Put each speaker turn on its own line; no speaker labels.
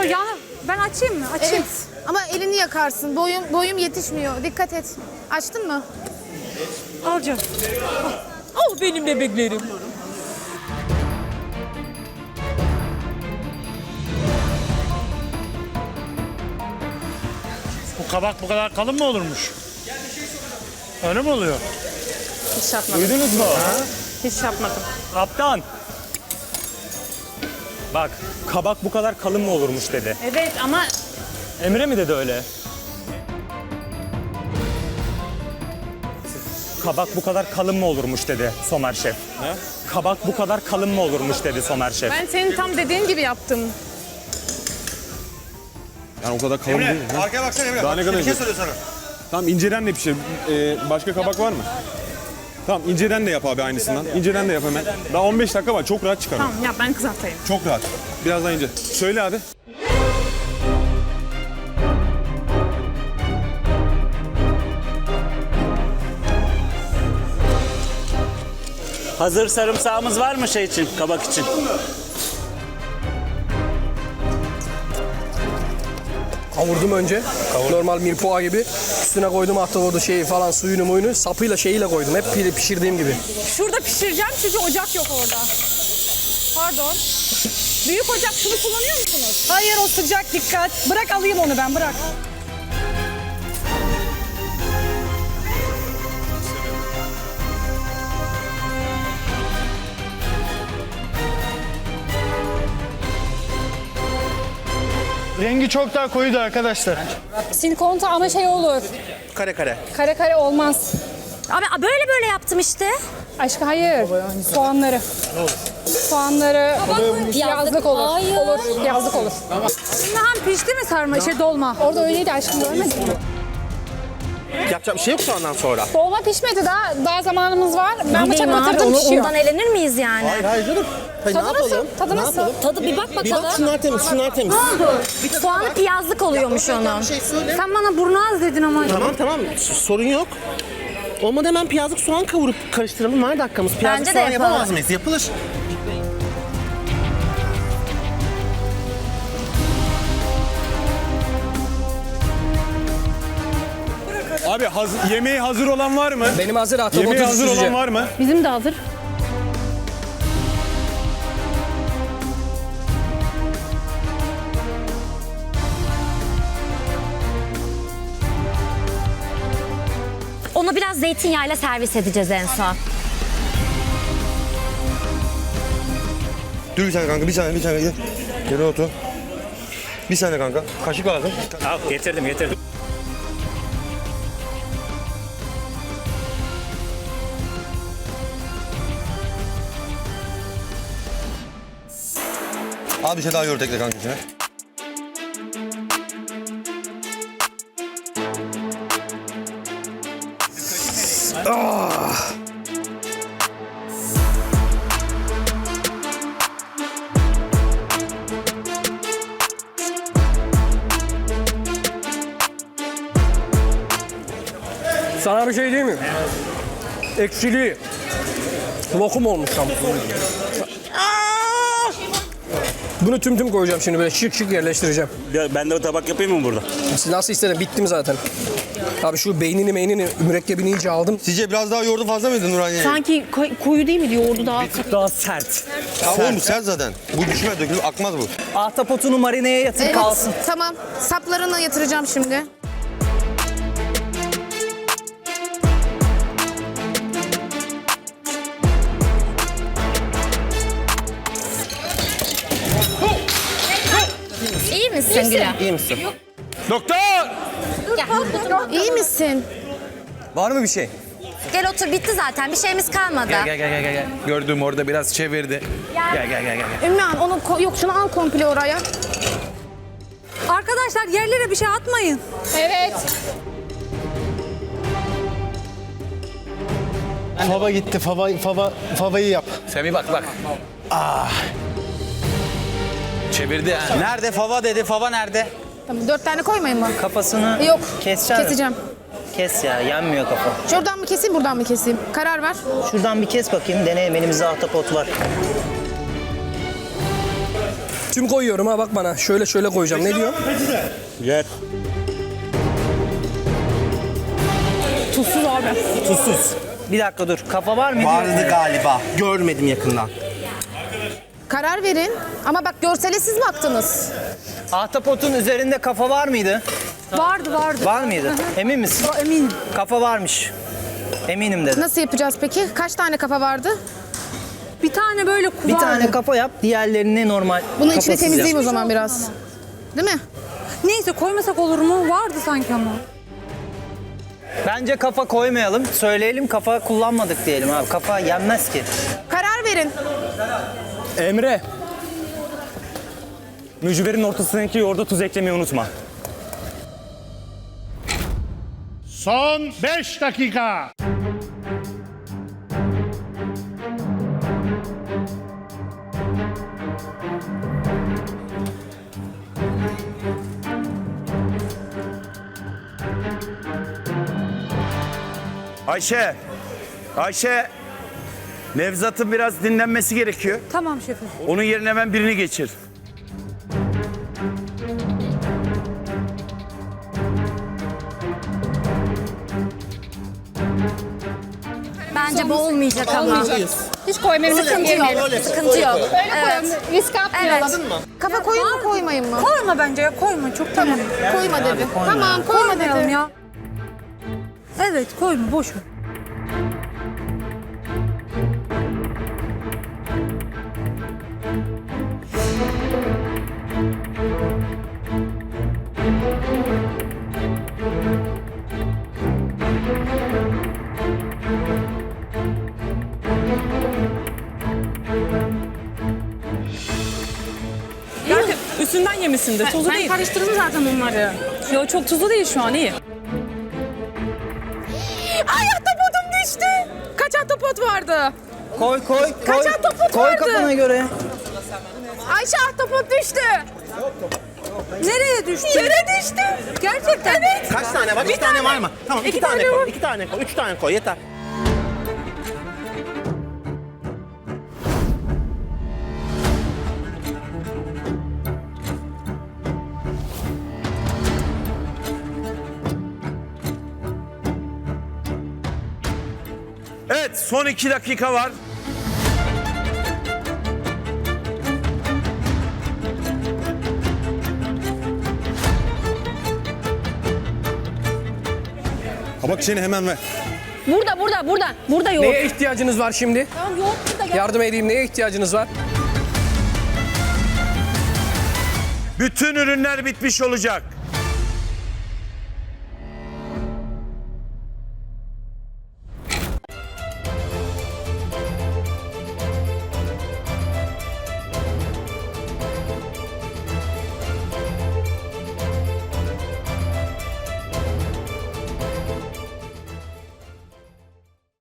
yanı ben açayım mı? Açayım.
Evet. Ama elini yakarsın. Boyum yetişmiyor. Dikkat et. Açtın mı?
Alacağım. Al benim bebeklerim.
Bu kabak bu kadar kalın mı olurmuş? Öyle mi oluyor?
Hiç yapmadım.
Duydunuz mu?
Hiç yapmadım.
Kaptan. Bak, kabak bu kadar kalın mı olurmuş dedi.
Evet ama
Emre mi dedi öyle? Kabak bu kadar kalın mı olurmuş dedi Somer Şef. Ne? Kabak bu kadar kalın mı olurmuş dedi Somer Şef.
ben senin tam dediğin gibi yaptım.
Yani o kadar kalın değil. Ha?
Arkaya baksana Emre.
Daha ne kadar
Bir şey
ince?
soruyor sana.
Tamam inceden de pişir. Başka kabak var mı? Tamam inceden de yap abi aynısından. İnceden de yap hemen. Daha 15 dakika var. Çok rahat çıkarım.
Tamam ya ben kızartayım.
Çok rahat. Biraz daha ince. Söyle abi.
Hazır sarımsağımız var mı şey için, kabak için?
Kavurdum önce. Normal mirpoğa gibi. Üstüne koydum ahtapotu şeyi falan suyunu muyunu. Sapıyla şeyiyle koydum. Hep pişirdiğim gibi.
Şurada pişireceğim çünkü ocak yok orada. Pardon. Büyük ocak şunu kullanıyor musunuz? Hayır o sıcak dikkat. Bırak alayım onu ben bırak.
Rengi çok daha koyuydu arkadaşlar.
Silikonta ama şey olur.
Kare kare.
Kare kare olmaz.
Abi böyle böyle yaptım işte.
Aşkı hayır. Soğanları. Soğanları yazlık olur.
Hayır.
Olur. Yazlık olur. Hem pişti mi sarma dolma? Orada öyleydi aşkım görmedin mi?
Yapacak bir şey yok şu andan sonra.
Dolma pişmedi daha zamanımız var. Ben bıçak
Bileyim abi,
batırdım pişiyor.
ondan elenir miyiz yani?
Hayır canım. Hayır,
Tadı
ne yapalım?
nasıl? Tadı
Ne
nasıl?
yapalım?
Tadı bir bak
Bir
bakalım.
bak şunlar temiz, şunlar temiz.
Soğanı piyazlık oluyormuş onun.
Bir şey söyle.
Sen bana burnu az dedin ama.
Tamam sorun yok. Olmadı hemen piyazlık soğan kavurup karıştıralım. Var dakikamız. Piyazlık
Bence de
soğan
yapalım.
yapamaz mıyız? Yapılır.
Abi yemeği hazır olan var mı?
Benim hazır ahtapotu
Yemeği hazır olan
süzeceğim.
var mı?
Bizim de hazır.
Onu biraz zeytinyağıyla servis edeceğiz en son.
Dur bir saniye kanka, bir saniye. Geri otur. Bir saniye kanka. Kaşık lazım.
Al, getirdim.
Al bir şey daha yoğurt ekle kanka içine.
Sana bir şey diyeyim mi? Ekşili. Lokum olmuş tam. Bunu tüm koyacağım şimdi böyle şık yerleştireceğim.
Ben de o tabak yapayım mı burada?
Siz nasıl istedim bittim zaten. Abi şu beynini mürekkebini iyice aldım.
Sizce biraz daha yoğurdu fazla mıydı Nurhaniye?
Sanki koyu değil mi yoğurdu daha?
Daha sert.
Ya oğlum bu sert zaten. Bu düşmez, dökülür, akmaz bu.
Ahtapotunu marineye yatır
Evet.
kalsın.
Tamam. Saplarını yatıracağım şimdi.
İyi misin Gülüm?
İyi misin?
Doktor!
İyi misin?
Var mı bir şey?
Gel otur bitti zaten bir şeyimiz kalmadı.
Gel. Gördüm orada biraz çevirdi. Gel.
Ümmühan onu yok şunu al komple oraya.
Arkadaşlar yerlere bir şey atmayın.
Evet.
Fava gitti. Favayı yap.
Semih bak. Çevirdi ha.
Nerede fava dedi, fava nerede?
Tamam 4 tane koymayın mı?
Kafasını
Yok.
keseceğim.
Keseceğim.
Kes ya, yanmıyor kafa.
Şuradan mı keseyim buradan mı keseyim? Karar ver.
Şuradan bir kes bakayım, deneyelim, elimizde ahtapot var.
Tüm koyuyorum ha bak bana. Şöyle şöyle koyacağım. Ne diyor?
Yer.
Tuzsuz abi.
Tuzsuz. Bir dakika dur. Kafa var mıydı?
Vardı galiba. Görmedim yakından.
Karar verin. Ama bak görsele siz baktınız.
Ahtapotun üzerinde kafa var mıydı?
Vardı.
Var mıydı? Emin misin?
Eminim.
Kafa varmış. Eminim dedim.
Nasıl yapacağız peki? Kaç tane kafa vardı?
Bir tane böyle
Bir
vardı.
tane kafa yap, diğerlerini normal
Bunun içini
kafasız
temizleyeyim
yap.
o zaman biraz. Değil mi?
Neyse koymasak olur mu? Vardı sanki ama.
Bence kafa koymayalım. Söyleyelim kafa kullanmadık diyelim abi. Kafa yenmez ki.
Karar verin.
Emre. Mücverin ortasındaki yoğurda tuz eklemeyi unutma.
Son 5 dakika.
Ayşe. Nevzat'ın biraz dinlenmesi gerekiyor.
Tamam şefim.
Onun yerine hemen birini geçir.
Bence bu olmayacak ama.
Hiç koymayalım.
Sıkıntı yok. Sıkıntı yok. Evet.
Risk atmayalım.
Evet.
Kafa koyun mu koymayın mı?
Koyma bence ya. Koyma. Çok tamam.
Koyma dedi. Tamam koyma
Koymayalım
dedi.
ya. Evet koyma. Boş ver.
Zaten üstünden yemişsindir. Tuzlu değil.
Ben karıştırdım zaten onları.
Yo çok tuzlu değil şu an iyi.
Ay ahtapotum düştü. Kaç ahtapot vardı?
Koy.
Kaç ahtapot
Koy
vardı?
kafana göre.
Ayşe ahtapot düştü. Nereye düştü? Yere düştü. Gerçekten. Evet.
Kaç tane var? Bir tane var mı? Tamam, iki tane koy. 2 tane koy. 3 tane koy yeter. Evet, son 2 dakika var.
Kabak işini hemen ver.
Burada yoğurt.
Neye ihtiyacınız var şimdi?
Tamam yoğurt da gel.
Yardım edeyim. Neye ihtiyacınız var?
Bütün ürünler bitmiş olacak.